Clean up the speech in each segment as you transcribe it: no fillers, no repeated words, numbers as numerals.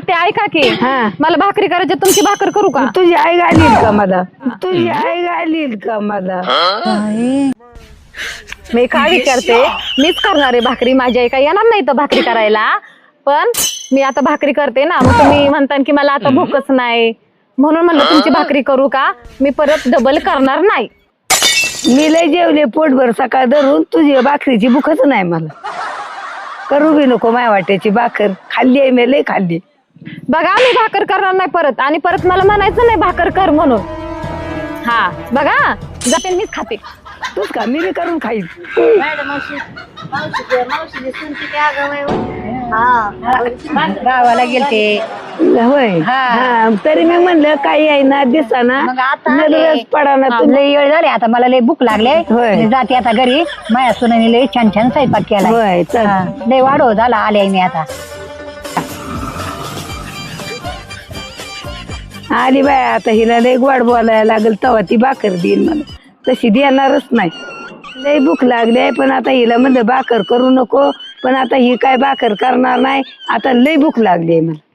आते ऐका की हा. मला भाकरी करायची, तुमची भाकर करू का? तुझी आई घालील का मला? तुझी आई घालील का मला? मी काय विचारते, मीच करणार आहे भाकरी, माझी आई काय येणार नाही तर भाकरी करायला. पण मी आता भाकरी करते ना, मग तुम्ही म्हणता की मला आता भूकच नाही, म्हणून म्हणलं तुमची भाकरी करू का? मी परत डबल करणार नाही. मी लय जेवले पोटभर सकाळ धरून, तुझी भाकरीची भूकच नाही मला. करू बी नको माय वाट्याची भाकर, खाल्ली आहे मी, लय खाल्ली. बघा मी भाकर करणार नाही परत, आणि परत मला म्हणायचं नाही भाकर कर म्हणून. हा बघा, जाते मीच खाते. तूच का? मी बी करून खाईन. गावाला गेलते. होय हा, तरी मी म्हणलं काही आहे ना दिसाना, मग आता नजरच पडाना हा, तुम्ही. लय वेळ झाले आता, मला लय भूक लागले. होय. मी जाते आता घरी. माझ्या सुनाने लय छान छान स्वयंपाक केला. होय चल. लय वाढव झाला, आले मी आता. आली बाय आता, हिला लय गोड बोलायला लागल तेव्हा ती भाकर देईल मला, तशी देणारच नाही. लय भूक लागली आहे, पण आता हिला म्हणलं भाकर करू नको, पण आता ही काय भाकर करणार नाही. आता लय भूक लागली आहे मला.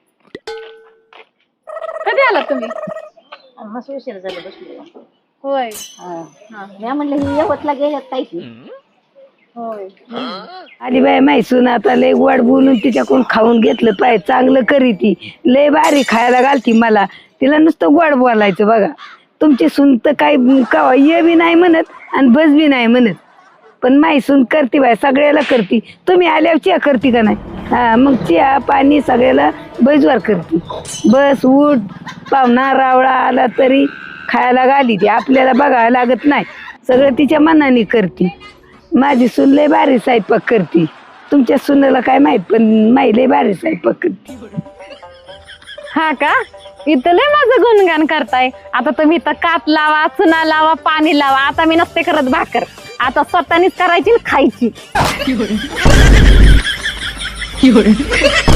कधी आलात तुम्ही? मस्त उशीर झालं बसलो. होय मी म्हणलं ही यवतला गेल्यात काही. होय. आली बाय मैसून आता लय गोड बोलून तिच्याकडून खाऊन घेतलं पाहिजे. चांगलं करी ती, लय भारी खायला घालती मला. तिला नुसतं गोड बोलायचं बघा. तुमची सून तर काही कवा ये बी नाही म्हणत आणि बस बी नाही म्हणत, पण मैसून करते बाय, सगळ्याला करते. तुम्ही आल्यावर चिया करते का नाही? हा, मग चिया पाणी सगळ्याला बैजवार करते. बस उठ, पाहुणा रावळा आला तरी खायला घाली ती, आपल्याला बघायला लागत नाही. सगळं तिच्या मनाने करते. माझी सून लय भारी स्वयंपाक करते. तुमच्या सुनेला काय माहित, पण माई लय भारी स्वयंपाक करते. हा का? इथं लय माझं गुणगान करताय. आता तुम्ही इथं काप लावा, चुना लावा, पाणी लावा. आता मी नसते करत भाकर, आता स्वतःनीच करायची आणि खायची.